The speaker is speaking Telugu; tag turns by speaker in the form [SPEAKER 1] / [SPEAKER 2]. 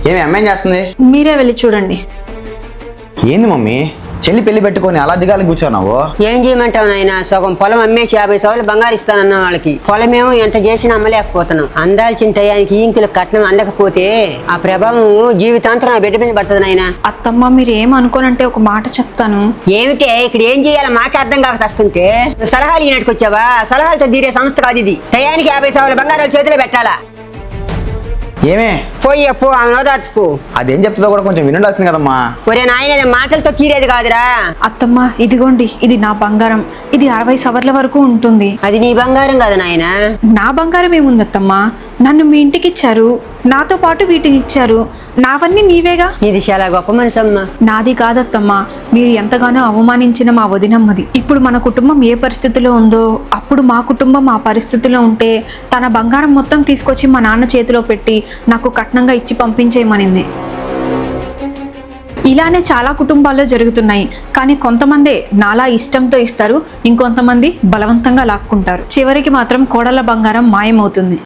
[SPEAKER 1] ఏమి అమ్మాయి చేస్తుంది?
[SPEAKER 2] మీరే వెళ్ళి చూడండి.
[SPEAKER 1] ఏంది మమ్మీ, చెల్లి పెళ్లి పెట్టుకొని అలా దిగాలి కూర్చోన్నావు?
[SPEAKER 3] ఏం చేయమంటావు నాయన? సగం పొలం అమ్మేసి 50 సవర్లు బంగారు ఇస్తానన్న వాళ్ళకి పొలమేమో ఎంత చేసినా అమ్మలేకపోతున్నాం. అందాల్సిన టయానికి ఈంకులకు కట్నం అందకపోతే ఆ ప్రభావం జీవితాంతం నా బిడ్డ మీద పడుతుంది నాయన.
[SPEAKER 2] అత్తమ్మ మీరు ఏమనుకోనంటే ఒక మాట చెప్తాను.
[SPEAKER 3] ఏమిటే ఇక్కడ ఏం చేయాలో మాకే అర్థం కాక వస్తుంటే సలహాలు ఈనాటికి వచ్చావా? సలహాలతో తీరే సంస్థ కాదు ఇది. టయానికి 50 సవర్ల బంగారాలు చేతిలో పెట్టాలా?
[SPEAKER 1] ఏమే
[SPEAKER 3] పోయి అప్పు ఆమె నోదార్చుకో.
[SPEAKER 1] అదేం చెప్తుందో కూడా కొంచెం వినుండాల్సింది కదమ్మా.
[SPEAKER 3] ఒరే నాయన మాటలతో తీరేది కాదురా.
[SPEAKER 2] అత్తమ్మ ఇదిగోండి, ఇది నా బంగారం. ఇది 60 సవర్ల వరకు ఉంటుంది.
[SPEAKER 3] అది నీ బంగారం కాదు నాయన.
[SPEAKER 2] నా బంగారం ఏముంది అత్తమ్మ? నన్ను మీ ఇంటికి ఇచ్చారు, నాతో పాటు వీటిని ఇచ్చారు. నావన్నీ నీవేగా.
[SPEAKER 3] ఇది చాలా గొప్ప మనసు అమ్మా.
[SPEAKER 2] నాది కాదత్తమ్మా, మీరు ఎంతగానో అవమానించిన మా వదినమ్మది. ఇప్పుడు మన కుటుంబం ఏ పరిస్థితిలో ఉందో అప్పుడు మా కుటుంబం ఆ పరిస్థితిలో ఉంటే తన బంగారం మొత్తం తీసుకొచ్చి మా నాన్న చేతిలో పెట్టి నాకు కట్నంగా ఇచ్చి పంపించేయమనింది. ఇలానే చాలా కుటుంబాల్లో జరుగుతున్నాయి. కానీ కొంతమందే నాలా ఇష్టంతో ఇస్తారు, ఇంకొంతమంది బలవంతంగా లాక్కుంటారు. చివరికి మాత్రం కోడళ్ళ బంగారం మాయమవుతుంది.